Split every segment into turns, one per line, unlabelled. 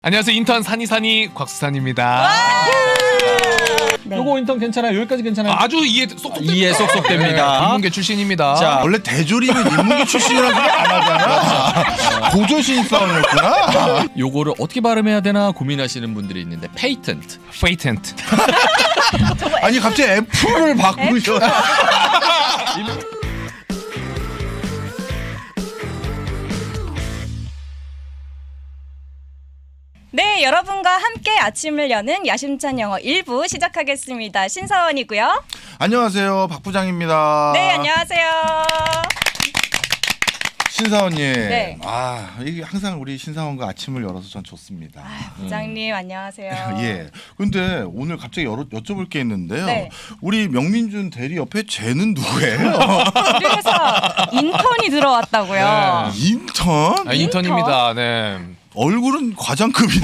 안녕하세요. 인턴 산이산이 곽수산입니다.
네.
요거 인턴 괜찮아요? 여기까지 괜찮아요?
아주 이해 쏙쏙
이해 쏙쏙 됩니다.
인문계 출신입니다.
자,
원래 대조림은 인문계 출신이라는 소리 안 하잖아. 고조 신입사원이었구나.
요거를 어떻게 발음해야 되나 고민하시는 분들이 있는데 페이턴트.
페이텐트.
아니 갑자기 F를 바꾸셔.
네, 여러분과 함께 아침을 여는 야심찬 영어 1부 시작하겠습니다. 신사원이고요.
안녕하세요, 박 부장입니다.
네, 안녕하세요.
신사원님.
네.
아, 이게 항상 우리 신사원과 아침을 열어서 전 좋습니다.
부장님 안녕하세요.
예. 근데 오늘 갑자기 여쭤볼 게 있는데요.
네.
우리 명민준 대리 옆에 쟤는 누구예요?
우리 회사 인턴이 들어왔다고요.
인턴?
아, 인턴입니다. 네.
얼굴은 과장급인데.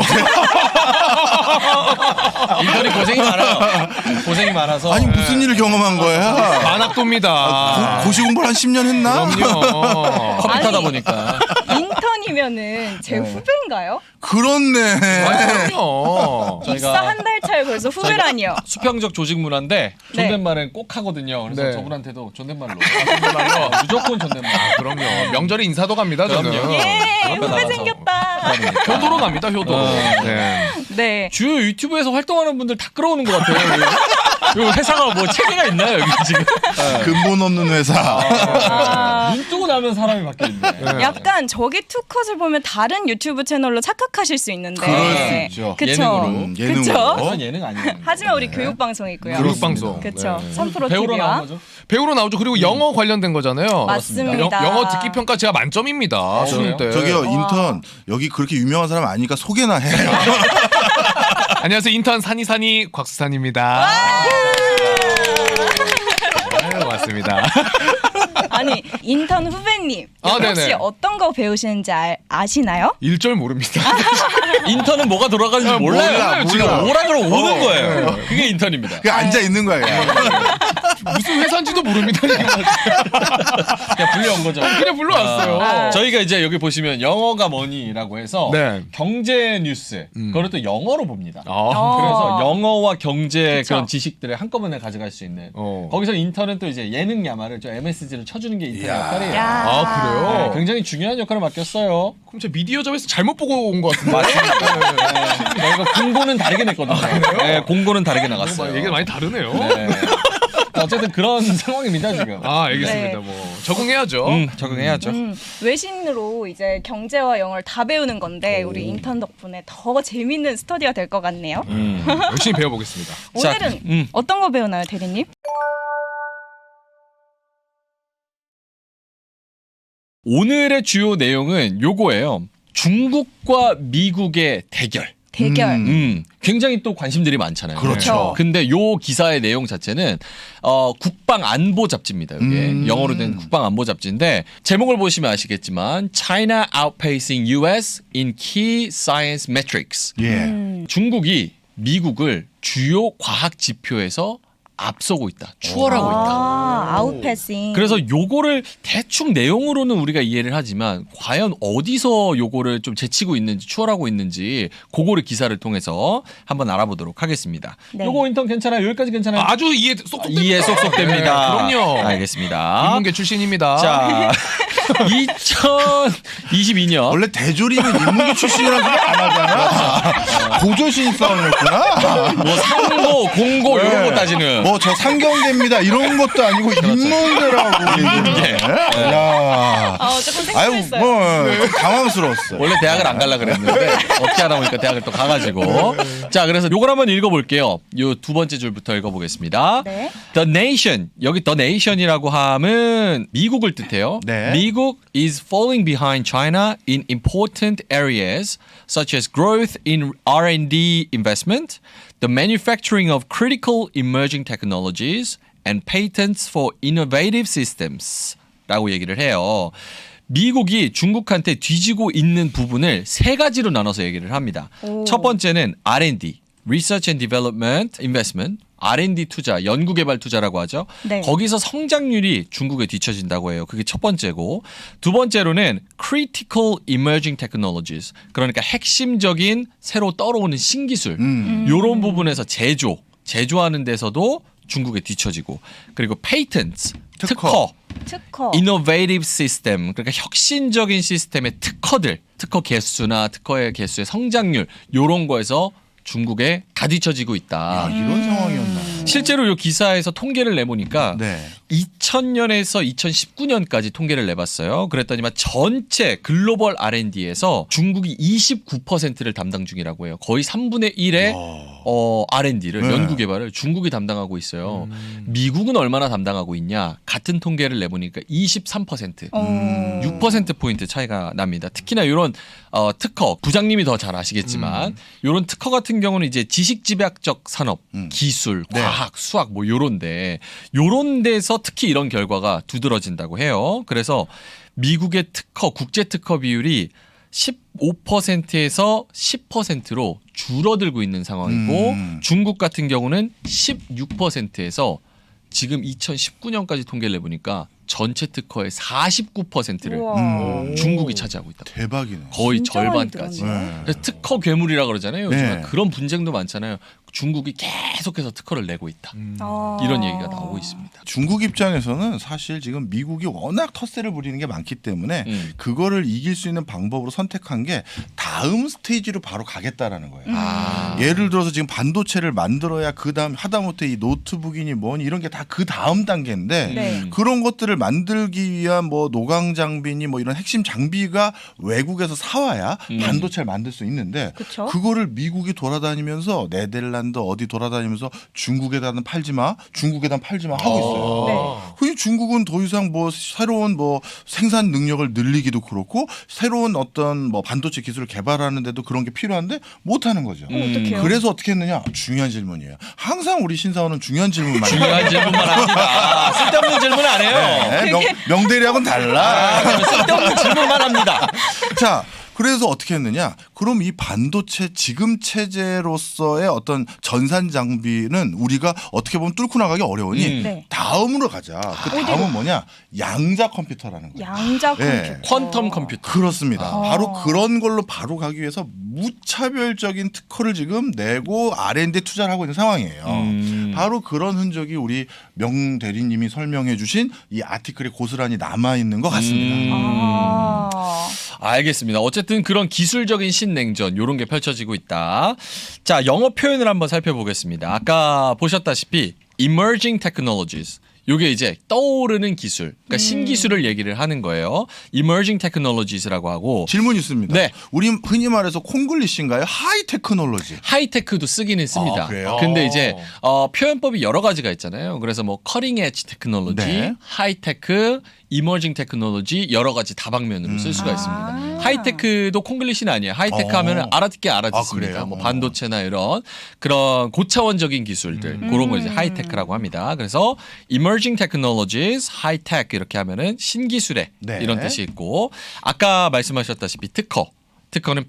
인턴이 고생이 많아요. 고생이 많아서.
아니 무슨 일을 경험한 거야?
만학도입니다.
고시 공부를 한 10년 했나?
그럼요.
컴퓨터다
아니.
보니까.
인턴이면은 제 후배인가요?
그렇네.
아, 그럼요.
입사 한 달 차에 벌써 후배라니요.
수평적 조직 문화인데
네.
존댓말은 꼭 하거든요. 그래서
네.
저분한테도 존댓말로.
존댓말로?
무조건 존댓말.
그럼요. 명절에 인사도 갑니다. 저는.
그럼요.
예,
앞에
후배
나가서.
생겼다.
효도로 갑니다. 효도로. 네.
네.
주요 유튜브에서 활동하는 분들 다 끌어오는 것 같아요. 요 회사가 뭐 체계가 있나요 여기 지금?
근본 없는 회사.
아,
눈 뜨고 나면 사람이 바뀌어 있네.
약간 저기 투컷을 보면 다른 유튜브 채널로 착각하실 수 있는데.
그럴 수 있죠.
그쵸?
예능으로.
예능으로.
그쵸?
그건 예능 아니에요.
하지만 우리 교육방송이고요.
교육방송.
그쵸.
네.
3프로
배우러
TV와.
나온 거죠?
배우로 나오죠. 그리고 영어 관련된 거잖아요.
맞습니다.
영어 듣기 평가 제가 만점입니다. 수능 때.
저기요 인턴 여기 그렇게 유명한 사람 아니니까 소개나 해.
안녕하세요. 인턴 산이산이 곽수산입니다. 네, 맞습니다.
아니 인턴 후배님
아,
혹시
네네.
어떤 거 배우시는지 아시나요?
일절 모릅니다.
인턴은 뭐가 돌아가는지 몰라요.
몰라.
지금 오라 그러면 오는
어.
거예요. 그게 인턴입니다.
그냥 앉아 있는 거야. 그냥.
무슨 회사인지도 모릅니다. 지금.
그냥 불려온 거죠.
그냥 불러왔어요.
저희가 이제 여기 보시면 영어가 뭐니라고 해서
네.
경제 뉴스 그걸 또 영어로 봅니다.
아,
그래서 영어와 경제
그쵸.
그런 지식들을 한꺼번에 가져갈 수 있는
어.
거기서 인턴은 또 이제 예능 야마를 저 MSG를 쳐주는 게 인턴
이야.
역할이에요.
야.
아, 그래요?
네, 굉장히 중요한 역할을 맡겼어요.
그럼 제 미디어점에서 잘못 보고 온 것 같은데.
저희가 공고는 다르게 냈거든요. 네, 공고는 다르게 나갔어요.
얘기가 많이 다르네요.
네. 어쨌든 그런 상황입니다 지금.
아, 알겠습니다.
네.
뭐 적응해야죠.
적응해야죠.
외신으로 이제 경제와 영어를 다 배우는 건데 우리 인턴 덕분에 더 재밌는 스터디가 될 것 같네요.
열심히 배워보겠습니다.
오늘은
자,
어떤 거 배우나요, 대리님?
오늘의 주요 내용은 요거예요. 중국과 미국의 대결.
대결.
굉장히 또 관심들이 많잖아요.
그렇죠.
근데 요 기사의 내용 자체는 국방 안보 잡지입니다. 이게 영어로 된 국방 안보 잡지인데 제목을 보시면 아시겠지만 China outpacing US in key science metrics.
예.
중국이 미국을 주요 과학 지표에서 앞서고 있다. 추월하고 있다.
아, 아웃패싱.
그래서 요거를 대충 내용으로는 우리가 이해를 하지만 과연 어디서 요거를 좀 제치고 있는지 추월하고 있는지 그거를 기사를 통해서 한번 알아보도록 하겠습니다.
네.
요거 인턴 괜찮아요? 여기까지 괜찮아요?
아주 이해 쏙쏙 됩니다.
이해 쏙쏙 됩니다.
네, 그럼요.
알겠습니다.
인문계 출신입니다.
자, 2022년
원래 대조림은 인문계 출신이라는 소리 안 하잖아. 고조 신입사원이었구나.
뭐 상고, 공고 이런 거 따지는
뭐 저 상경대입니다 이런 것도 아니고 인문계라고.
인문계.
야.
조금
아유
생소했어요.
뭐 당황스러웠어.
원래 대학을 안 갈라 그랬는데 어떻게 하다 보니까 대학을 또 가가지고 자 그래서 요걸 한번 읽어볼게요. 요 두 번째 줄부터 읽어보겠습니다.
네.
The Nation 여기 The Nation이라고 함은 미국을 뜻해요.
네.
미국 is falling behind China in important areas such as growth in R&D investment, the manufacturing of critical emerging technologies, and patents for innovative systems. 라고 얘기를 해요. 미국이 중국한테 뒤지고 있는 부분을 세 가지로 나눠서 얘기를 합니다. 첫 번째는 R&D, Research and Development Investment, R&D 투자, 연구개발 투자라고 하죠.
네.
거기서 성장률이 중국에 뒤처진다고 해요. 그게 첫 번째고, 두 번째로는 critical emerging technologies, 그러니까 핵심적인 새로 떠오르는 신기술, 이런 부분에서 제조하는 데서도 중국에 뒤처지고, 그리고 patents, 특허. innovative system, 그러니까 혁신적인 시스템의 특허 개수나 특허의 개수의 성장률, 요런 거에서 중국에 다 뒤처지고 있다.
이런 상황이었나.
실제로 이 기사에서 통계를 내보니까
네.
2000년에서 2019년까지 통계를 내봤어요. 그랬더니만 전체 글로벌 R&D에서 중국이 29%를 담당 중이라고 해요. 거의 3분의 1의 R&D를
네.
연구개발을 중국이 담당하고 있어요. 미국은 얼마나 담당하고 있냐? 같은 통계를 내보니까 23%. 6%포인트 차이가 납니다. 특히나 이런 특허, 부장님이 더 잘 아시겠지만 이런 특허 같은 경우는 이제 지식집약적 산업, 기술, 과학, 수학 뭐 요런데 요런 데서 특히 이런 결과가 두드러진다고 해요. 그래서 미국의 특허, 국제 특허 비율이 15%에서 10%로 줄어들고 있는 상황이고 중국 같은 경우는 16%에서 지금 2019년까지 통계를 내보니까 전체 특허의 49%를 중국이 차지하고 있다.
대박이네.
거의
진짜 많이
절반까지.
들었네요.
그래서 특허 괴물이라 그러잖아요. 요즘
네.
그런 분쟁도 많잖아요. 중국이 계속해서 특허를 내고 있다. 이런 얘기가 나오고 있습니다.
중국 입장에서는 사실 지금 미국이 워낙 텃세를 부리는 게 많기 때문에 그거를 이길 수 있는 방법으로 선택한 게 다음 스테이지로 바로 가겠다라는 거예요. 예를 들어서 지금 반도체를 만들어야 그 다음 하다못해 이 노트북이니 뭐니 이런 게 다 그 다음 단계인데
네.
그런 것들을 만들기 위한 뭐 노광 장비니 뭐 이런 핵심 장비가 외국에서 사와야 반도체를 만들 수 있는데
그쵸?
그거를 미국이 돌아다니면서 네덜란드 어디 돌아다니면서 중국에다는 팔지 마, 중국에다 팔지 마 하고 있어요. 그 중국은 더 이상 뭐 새로운 뭐 생산 능력을 늘리기도 그렇고 새로운 어떤 뭐 반도체 기술을 개발하는데도 그런 게 필요한데 못 하는 거죠.
어떡해요?
그래서 어떻게 했느냐? 중요한 질문이에요. 항상 우리 신사원은 중요한 질문만 해요.
중요한 질문만 합니다. 쓸데없는 질문 안 해요.
네, 명대리하고는 달라.
쓸데없는 질문만 합니다.
자, 그래서 어떻게 했느냐? 그럼 이 반도체 지금 체제로서의 어떤 전산 장비는 우리가 어떻게 보면 뚫고 나가기 어려우니
네.
다음으로 가자. 그 다음은 뭐냐? 양자 컴퓨터라는 거예요.
양자
네.
컴퓨터.
퀀텀 컴퓨터.
그렇습니다. 바로 그런 걸로 바로 가기 위해서 무차별적인 특허를 지금 내고 R&D 투자를 하고 있는 상황이에요. 바로 그런 흔적이 우리 명 대리님이 설명해 주신 이 아티클에 고스란히 남아있는 것 같습니다.
알겠습니다. 어쨌든 그런 기술적인 신냉전 이런 게 펼쳐지고 있다. 자, 영어 표현을 한번 살펴보겠습니다. 아까 보셨다시피 emerging technologies. 요게 이제 떠오르는 기술, 그러니까 신기술을 얘기를 하는 거예요. emerging technologies라고 하고
질문 있습니다.
네.
우리 흔히 말해서 콩글리시인가요? 하이 테크놀로지.
하이테크도 쓰기는 씁니다.
아, 그래요?
근데 이제 표현법이 여러 가지가 있잖아요. 그래서 뭐 커링 엣지 테크놀로지,
네.
하이테크, 이머징 테크놀로지 여러 가지 다방면으로 쓸 수가 있습니다. 하이테크도 콩글리시는 아니에요. 하이테크 하면은 알아듣게 알아듣습니다.
그래요?
뭐 반도체나 이런 그런 고차원적인 기술들 그런 거 이제 하이테크라고 합니다. 그래서 emerging technologies, high-tech 이렇게 하면은 신기술의
네.
이런 뜻이 있고 아까 말씀하셨다시피 특허는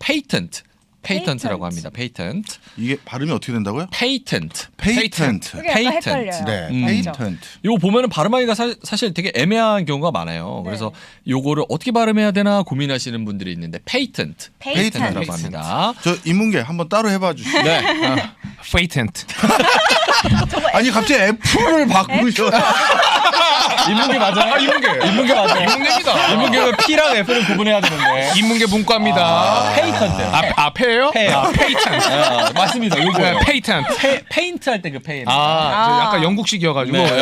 patent라고 합니다. patent.
이게 발음이 어떻게 된다고요?
patent.
페이턴트.
그게 약간 헷갈려요.
네,
맞죠?
페이턴트.
요거 보면은 발음하기가 사실 되게 애매한 경우가 많아요. 그래서 요거를 어떻게 발음해야 되나 고민하시는 분들이 있는데 patent. patent라고
페이턴트.
합니다.
저 인문계 한번 따로 해봐 주시죠.
네.
페이텐트.
아니 갑자기 F를 바꾸셔.
인문계 맞아요? 인문계 맞아요.
인문계입니다.
인문계는 P랑 F를 구분해야 되는데.
인문계 문과입니다.
페이턴트.
페예요?
페이턴트. 맞습니다. 요거예요.
페이텐트.
페인트 할 때 그 페인.
저 약간 영국식이어가지고.
네.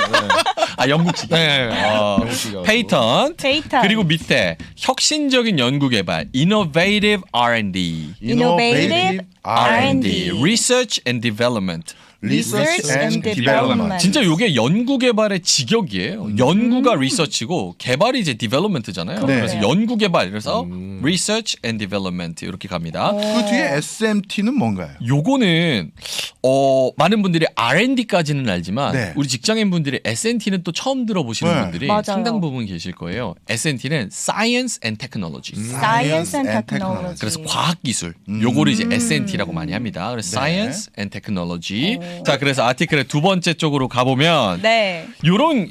영국식.
네. 영국식이어가지고.
페이턴트.
페이턴트.
그리고 밑에 혁신적인 연구개발, innovative R&D.
Innovative R&D.
research and development.
Research and
Development.
Development.
진짜 요게 연구개발의 직역이에요. 연구가 리서치고 개발이 이제 디벨롭먼트잖아요.
네.
그래서 연구개발 그래서 research and development 이렇게 갑니다.
그 뒤에 SMT는 뭔가요?
요거는 많은 분들이 R&D까지는 알지만
네.
우리 직장인분들이 S&T는 또 처음 들어보시는
네.
분들이
맞아요.
상당 부분 계실 거예요. S&T는 Science and Technology.
Science and
and
Technology.
그래서 과학기술 요거를 이제 S&T라고 많이 합니다. 그래서 Science and Technology. 자, 그래서 아티클의 두 번째 쪽으로 가보면
네.
이런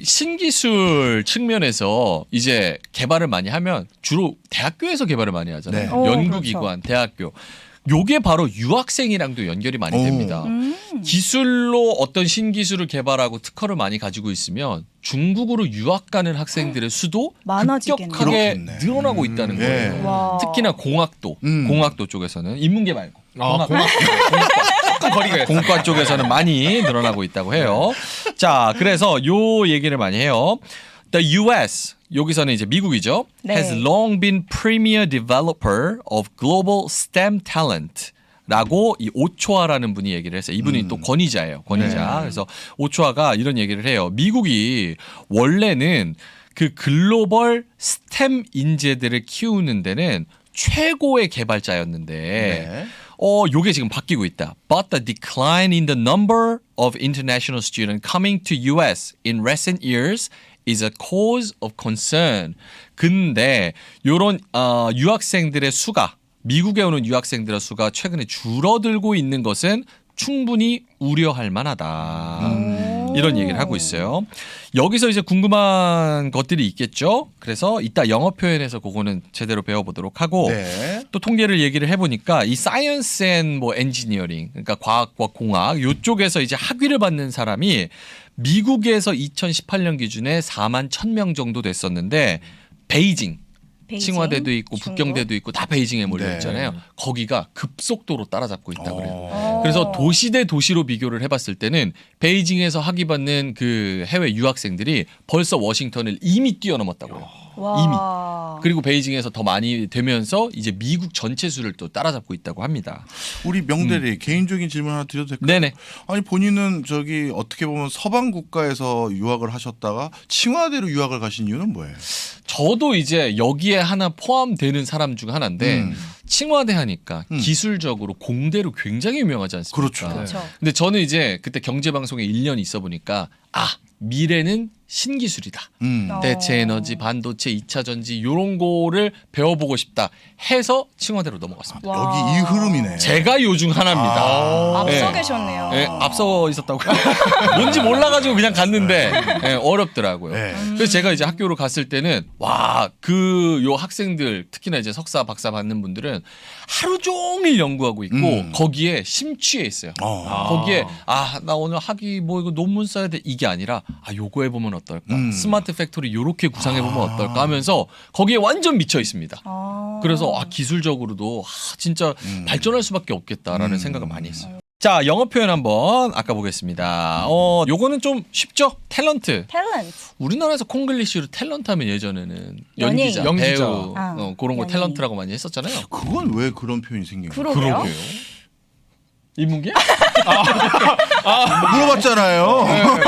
신기술 측면에서 이제 개발을 많이 하면 주로 대학교에서 개발을 많이 하잖아요.
네.
연구기관, 대학교. 요게 바로 유학생이랑도 연결이 많이
오.
됩니다. 기술로 어떤 신기술을 개발하고 특허를 많이 가지고 있으면 중국으로 유학 가는 학생들의 수도
많아지겠네요.
급격하게
그렇겠네.
늘어나고 있다는
네.
거예요.
와.
특히나 공학도, 공학도 쪽에서는 인문계 말고
공과 조금 거리가 있어요.
공과 쪽에서는 많이 늘어나고 있다고 해요. 자, 그래서 요 얘기를 많이 해요. The U.S. 여기서는 이제 미국이죠.
네.
Has long been premier developer of global STEM talent. 라고 이 오초아라는 분이 얘기를 했어요. 이분이 또 권위자예요. 권위자.
네.
그래서 오초아가 이런 얘기를 해요. 미국이 원래는 그 글로벌 스템 인재들을 키우는 데는 최고의 개발자였는데
네.
요게 지금 바뀌고 있다. But the decline in the number of international students coming to US in recent years is a cause of concern. 근데 요런 유학생들의 수가 미국에 오는 유학생들의 수가 최근에 줄어들고 있는 것은 충분히 우려할 만하다. 이런 얘기를 하고 있어요. 여기서 이제 궁금한 것들이 있겠죠. 그래서 이따 영어 표현에서 그거는 제대로 배워보도록 하고
네.
또 통계를 얘기를 해보니까 이 사이언스 앤 뭐 엔지니어링 그러니까 과학과 공학 요쪽에서 이제 학위를 받는 사람이 미국에서 2018년 기준에 4만 1,000명 정도 됐었는데 베이징 칭화대도 있고
중국.
북경대도 있고 다 베이징에 몰려
네.
있잖아요. 거기가 급속도로 따라잡고 있다 그래요.
어.
그래서 도시 대 도시로 비교를 해봤을 때는 베이징에서 학위 받는 그 해외 유학생들이 벌써 워싱턴을 이미 뛰어넘었다고요.
와.
그리고 베이징에서 더 많이 되면서 이제 미국 전체 수를 또 따라잡고 있다고 합니다.
우리 명대리 개인적인 질문 하나 드려도 될까요?
네네.
아니 본인은 저기 어떻게 보면 서방 국가에서 유학을 하셨다가 칭화대로 유학을 가신 이유는 뭐예요?
저도 이제 여기에 하나 포함되는 사람 중 하나인데 칭화대 하니까 기술적으로 공대로 굉장히 유명하지 않습니까?
그렇죠.
그렇죠.
근데 저는 이제 그때 경제방송에 1년 있어 보니까 미래는 신기술이다. 대체 에너지, 반도체, 2차 전지 이런 거를 배워보고 싶다 해서 칭화대로 넘어갔습니다.
와.
여기 이 흐름이네.
제가 요 중 하나입니다.
앞서
네.
계셨네요.
네, 앞서 있었다고. 뭔지 몰라가지고 그냥 갔는데 네, 어렵더라고요.
네.
그래서 제가 이제 학교로 갔을 때는 요 학생들 특히나 이제 석사, 박사 받는 분들은 하루 종일 연구하고 있고 거기에 심취해 있어요. 거기에 나 오늘 학위 뭐 이거 논문 써야 돼 이게 아니라 요거 해보면 어떨까? 스마트 팩토리 요렇게 구상해 보면 어떨까 하면서 거기에 완전 미쳐 있습니다. 그래서 기술적으로도 진짜 발전할 수밖에 없겠다라는 생각을 많이 했어요. 자, 영어 표현 한번 아까 보겠습니다. 요거는 좀 쉽죠? 탤런트.
탤런트.
우리나라에서 콩글리시로 탤런트 하면 예전에는
연예인.
연기자,
연기자.
배우 그런 거
연예인.
탤런트라고 많이 했었잖아요.
그건 왜 그런 표현이 생긴 거예요?
그러게요.
인문계?
물어봤잖아요.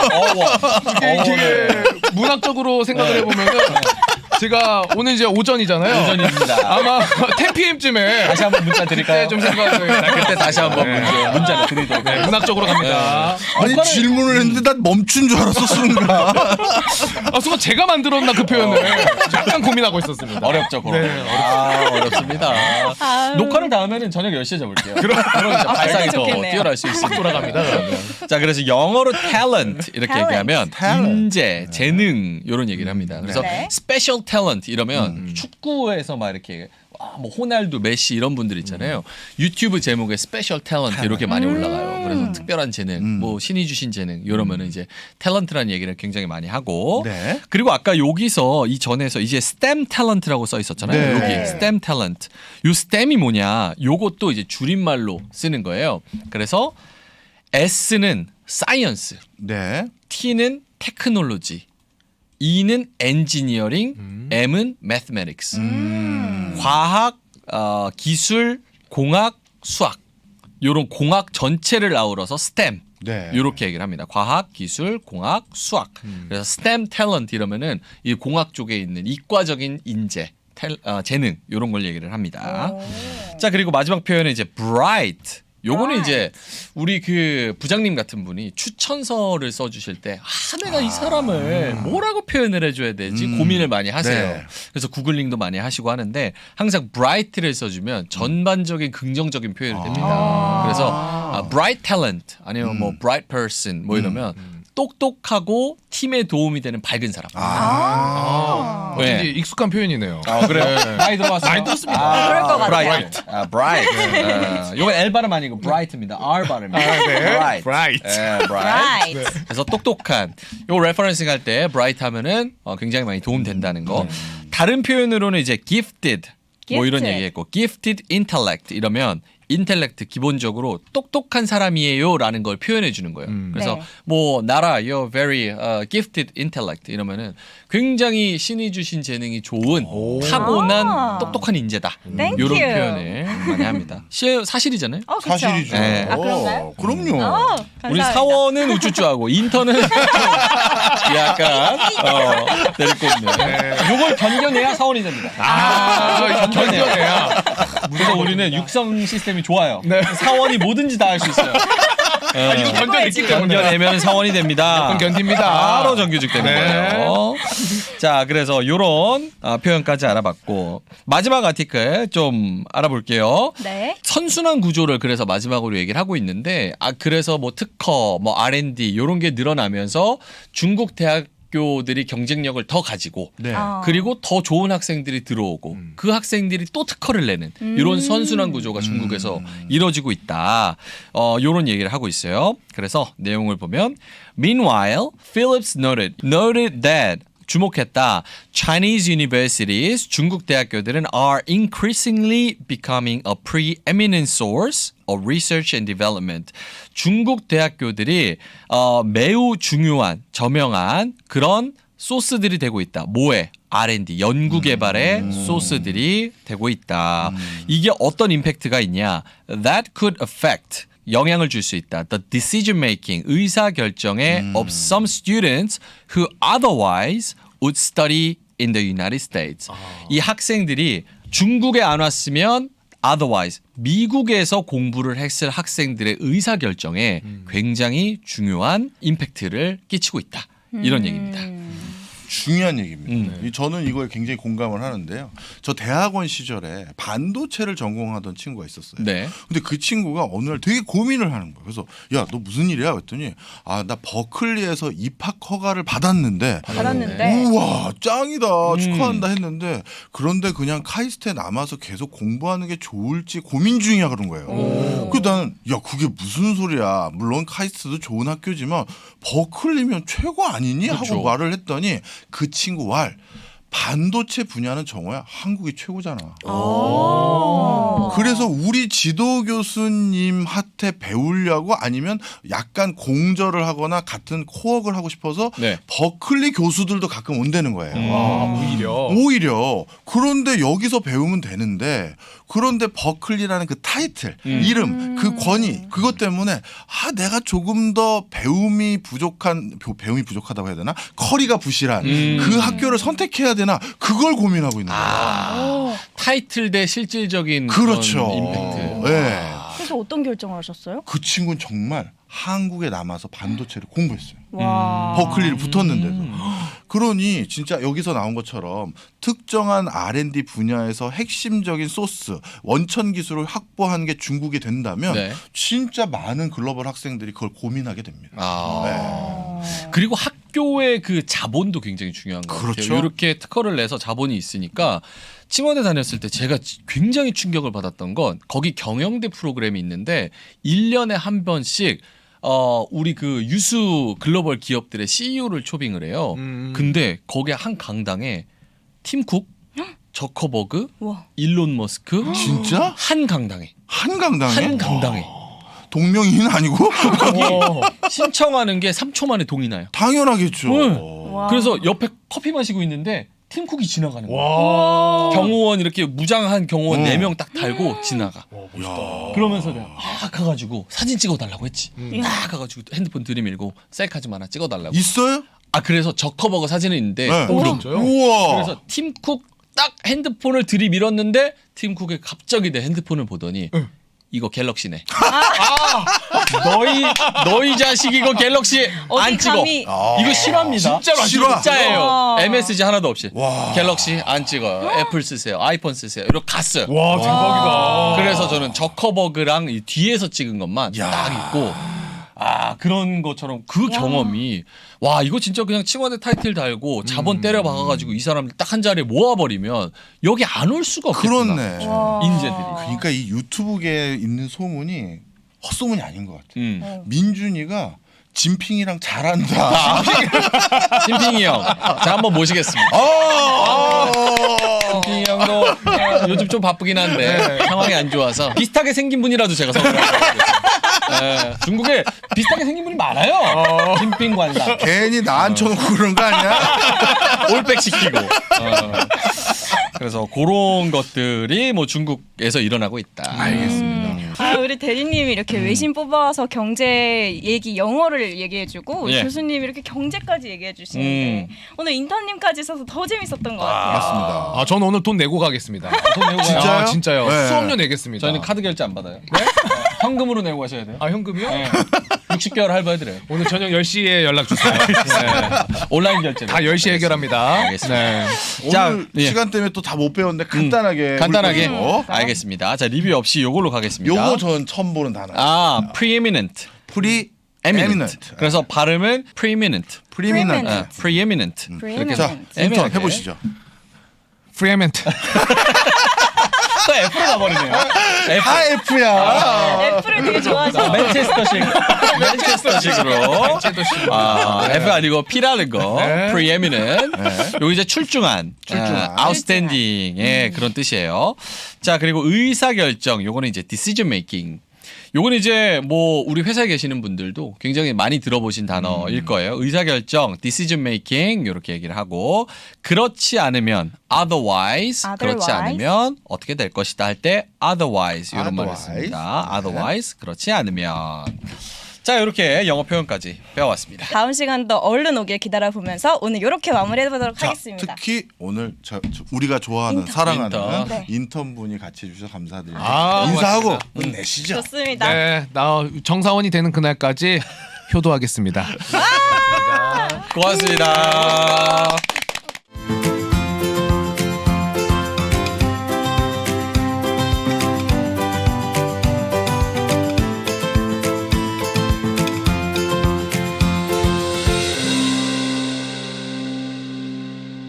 이게 문학적으로 생각을 해보면은 제가 오늘 이제 오전이잖아요.
오전입니다.
아마 10pm쯤에
다시 한번 문자 드릴까요?
좀 생각을
그때 다시 한번 문자를 드리도록
네, 문학적으로 갑니다.
아니 질문을 했는데 난 멈춘 줄 알았어 순간.
순간 제가 만들었나 그 표현을 약간 고민하고 있었습니다.
어렵죠, 그럼.
네,
어렵습니다. 녹화를 다 하면은 저녁 10시에 잡을게요. 그럼 이제 발상이 더
좋겠네요.
뛰어날 수 있습니다. 돌아갑니다. 자, 그래서 영어로 talent 이렇게
talent.
얘기하면
talent.
인재, 재능 이런 얘기를 합니다. 그래서
네.
special talent 이러면 축구에서 막 이렇게 뭐 호날두, 메시 이런 분들 있잖아요. 유튜브 제목에 스페셜 탤런트 이렇게 많이 올라가요. 그래서 특별한 재능, 뭐 신이 주신 재능 이러면은 이제 탤런트라는 얘기를 굉장히 많이 하고
네.
그리고 아까 여기서 이 전에서 이제 STEM 탤런트라고 써 있었잖아요.
네.
여기
네.
STEM 탤런트. 요 STEM이 뭐냐? 요것도 이제 줄임말로 쓰는 거예요. 그래서 S는 사이언스,
네.
T는 테크놀로지, E는 엔지니어링, M은 매스매틱스. 과학, 기술, 공학, 수학. 요런 공학 전체를 아우러서 STEM.
네.
이렇게 얘기를 합니다. 과학, 기술, 공학, 수학. 그래서 STEM 탤런트 이러면은 이 공학 쪽에 있는 이과적인 인재, 재능 이런 걸 얘기를 합니다. 자, 그리고 마지막 표현은 이제 bright. 요거는
Right.
이제 우리 그 부장님 같은 분이 추천서를 써주실 때 내가 이 사람을 뭐라고 표현을 해줘야 되지 고민을 많이 하세요.
네.
그래서 구글링도 많이 하시고 하는데 항상 bright를 써주면 전반적인 긍정적인 표현이 됩니다. 그래서 bright talent 아니면 뭐 bright person 뭐 이러면 똑똑하고 팀에 도움이 되는 밝은 사람.
어쩐지
네.
익숙한 표현이네요.
그래요? 많이 들어봤어요?
많이 들었습니다.
그럴 것 같아요.
bright. bright. 요건 L 발음 아니고 bright입니다. R 발음입니다. bright.
Bright.
bright.
Right.
그래서 똑똑한. 요 레퍼런싱 할 때 bright 하면은 굉장히 많이 도움 된다는 거. 다른 표현으로는 이제 gifted 뭐 이런
Gifted.
얘기했고 gifted intellect 이러면 인텔렉트 기본적으로 똑똑한 사람이에요라는 걸 표현해 주는 거예요. 그래서
네.
뭐 나라 you're very gifted intellect 이러면은 굉장히 신이 주신 재능이 좋은 타고난 똑똑한 인재다.
Thank
이런
you.
표현을 많이 합니다. 사실이잖아요.
그쵸?
사실이죠.
네.
아, 그런가요?
그럼요.
감사합니다.
우리 사원은 우쭈쭈하고 인턴은 약간 내리꽂네. 요걸 견뎌내야 사원이 됩니다.
견뎌내야.
그래서 우리는 육성 시스템이 좋아요.
네.
사원이 뭐든지 다 할 수 있어요.
이거 견뎌냈기 때문에.
견뎌내면 사원이 됩니다.
무조건 견딥니다.
바로 정규직 되는
네.
거예요. 자, 그래서 요런 표현까지 알아봤고 마지막 아티클 좀 알아볼게요.
네.
선순환 구조를 그래서 마지막으로 얘기를 하고 있는데 그래서 뭐 특허, 뭐 R&D 요런 게 늘어나면서 중국 대학교들이 경쟁력을 더 가지고
네.
그리고 더 좋은 학생들이 들어오고 그 학생들이 또 특허를 내는 이런 선순환 구조가 중국에서 이루어지고 있다. 이런 얘기를 하고 있어요. 그래서 내용을 보면 Meanwhile, Phillips noted that 주목했다. Chinese universities, 중국 대학교들은 are increasingly becoming a preeminent source of research and development. 중국 대학교들이 매우 중요한, 저명한 그런 소스들이 되고 있다. 뭐에? R&D, 연구개발의 소스들이 되고 있다. 이게 어떤 임팩트가 있냐? That could affect 영향을 줄 수 있다. The decision making, 의사 결정에 of some students who otherwise would study in the United States. 이 학생들이 중국에 안 왔으면 otherwise 미국에서 공부를 했을 학생들의 의사 결정에 굉장히 중요한 임팩트를 끼치고 있다. 이런 얘기입니다.
중요한 얘기입니다. 저는 이거에 굉장히 공감을 하는데요. 저 대학원 시절에 반도체를 전공하던 친구가 있었어요.
네.
근데 그 친구가 어느 날 되게 고민을 하는 거예요. 그래서 야, 너 무슨 일이야? 그랬더니 나 버클리에서 입학 허가를 받았는데
받았는데
우와 짱이다 축하한다 했는데 그런데 그냥 카이스트에 남아서 계속 공부하는 게 좋을지 고민 중이야 그런 거예요. 그 나는 야 그게 무슨 소리야. 물론 카이스트도 좋은 학교지만 버클리면 최고 아니니?
그렇죠.
하고 말을 했더니 그 친구 말 반도체 분야는 정호야 한국이 최고잖아. 그래서 우리 지도 교수님한테 배우려고 아니면 약간 공절을 하거나 같은 코어를 하고 싶어서
네.
버클리 교수들도 가끔 온다는 거예요.
오히려.
그런데 여기서 배우면 되는데 그런데 버클리라는 그 타이틀 이름 그 권위 그것 때문에 내가 조금 더 배움이 부족하다고 해야 되나 커리가 부실한 그 학교를 선택해야 되나 그걸 고민하고 있는 거예요.
타이틀 대 실질적인
그렇죠.
그런 임팩트.
네.
그래서 어떤 결정을 하셨어요?
그 친구는 정말 한국에 남아서 반도체를 공부했어요.
와.
버클리를 붙었는데도. 그러니 진짜 여기서 나온 것처럼 특정한 R&D 분야에서 핵심적인 소스, 원천 기술을 확보하는 게 중국이 된다면
네.
진짜 많은 글로벌 학생들이 그걸 고민하게 됩니다.
그리고 학교의 그 자본도 굉장히 중요한 것
그렇죠.
같아요. 이렇게 특허를 내서 자본이 있으니까 칭원에 다녔을 때 제가 굉장히 충격을 받았던 건 거기 경영대 프로그램이 있는데 1년에 한 번씩 우리 그 유수 글로벌 기업들의 CEO를 초빙을 해요. 근데 거기 한 강당에 팀 쿡, 저커버그,
와.
일론 머스크
진짜?
한 강당에
한강당에? 동명이인 아니고?
신청하는 게 3초 만에 동의 나요.
당연하겠죠.
와.
그래서 옆에 커피 마시고 있는데 팀 쿡이 지나가는 거야. 경호원 이렇게 무장한 경호원 4명 딱 달고 지나가. 그러면서 내가 가가지고 사진 찍어달라고 했지. 가가지고 핸드폰 들이밀고 셀카 좀 하나 찍어달라고.
있어요?
그래서 저커버거 사진은 있는데
네.
진짜요?
우와.
그래서 팀쿡 딱 핸드폰을 들이밀었는데 팀쿡이 갑자기 내 핸드폰을 보더니 이거 갤럭시네. 너희 자식 이거 갤럭시
어디
안 찍어.
감히-
이거 실화입니다.
진짜로 안
실화.
진짜예요.
와.
MSG 하나도 없이.
와.
갤럭시 안 찍어요. 애플 쓰세요. 아이폰 쓰세요. 이렇게 갔어요.
와 대박이다.
그래서 저는 저커버그랑 이 뒤에서 찍은 것만
야.
딱 있고 그런 것처럼 그 경험이 와 이거 진짜 그냥 칭호대 타이틀 달고 자본 때려 박아가지고 이 사람들 딱 한 자리에 모아버리면 여기 안 올 수가 없겠구나.
그렇네.
인재들이.
그러니까 이 유튜브계에 있는 소문이 헛소문이 아닌 것 같아.
어.
민준이가 진핑이랑 잘한다.
찐핑이 형, 자 한번 모시겠습니다. 찐핑이 형도 요즘 좀 바쁘긴 한데 상황이 안 좋아서 비슷하게 생긴 분이라도 제가 선물하겠습니다. 중국에 비슷하게 생긴 분이 많아요. 찐핑 관상.
괜히 나 앉혀놓고 그런 거 아니야?
올백 시키고. 그래서 그런 것들이 뭐 중국에서 일어나고 있다.
알겠습니다.
우리 대리님이 이렇게 외신 뽑아서 경제 얘기 영어를 얘기해주고
예.
교수님이 이렇게 경제까지 얘기해주시는데 오늘 인턴님까지 있어서 더 재밌었던 것 같아요.
맞습니다.
아 저는 오늘 돈 내고 가겠습니다. 돈 내고
진짜요?
아, 진짜요.
네.
수업료 내겠습니다.
저희는 카드 결제 안 받아요. 현금으로 내고 가셔야 돼요.
아 현금이요?
네. 60개월 할부해드려요.
오늘 저녁 10시에 연락 주세요. 네.
온라인 결제.
다 10시에 해결합니다.
알겠습니다.
네.
오늘
예.
시간 때문에 또 다 못 배웠는데 간단하게
간단하게.
훑어보죠.
알겠습니다. 자 리뷰 없이 요걸로 가겠습니다.
요거 전 처음 보는 단어.
preeminent.
eminent.
그래서 발음은 preeminent.
preeminent.
preeminent.
Preeminent.
자, 인턴
애매하게.
해보시죠.
프리에멘트.
또 F로 가버리네요. F.
다 F야.
애플을 되게 좋아하시죠?
맨체스터식으로. F 아니고 P라는 거.
네.
preeminent. 여기 이제 출중한.
출중한.
outstanding의 그런 뜻이에요. 자, 그리고 의사결정. 요거는 이제 decision making. 요건 이제 뭐 우리 회사에 계시는 분들도 굉장히 많이 들어보신 단어일 거예요. 의사결정, decision making 이렇게 얘기를 하고 그렇지 않으면 otherwise, 그렇지 않으면 어떻게 될 것이다 할 때 otherwise 이런 말을 씁니다. otherwise 그렇지 않으면 자 이렇게 영어 표현까지 배워왔습니다.
다음 시간도 얼른 오길 기다려보면서 오늘 이렇게 마무리해보도록
자,
하겠습니다.
특히 오늘 우리가 좋아하는
인턴.
사랑하는
네.
인턴분이 같이 해주셔서 감사드립니다.
아,
인사하고 끝내시죠.
좋습니다.
네, 나 정사원이 되는 그날까지 효도하겠습니다.
고맙습니다.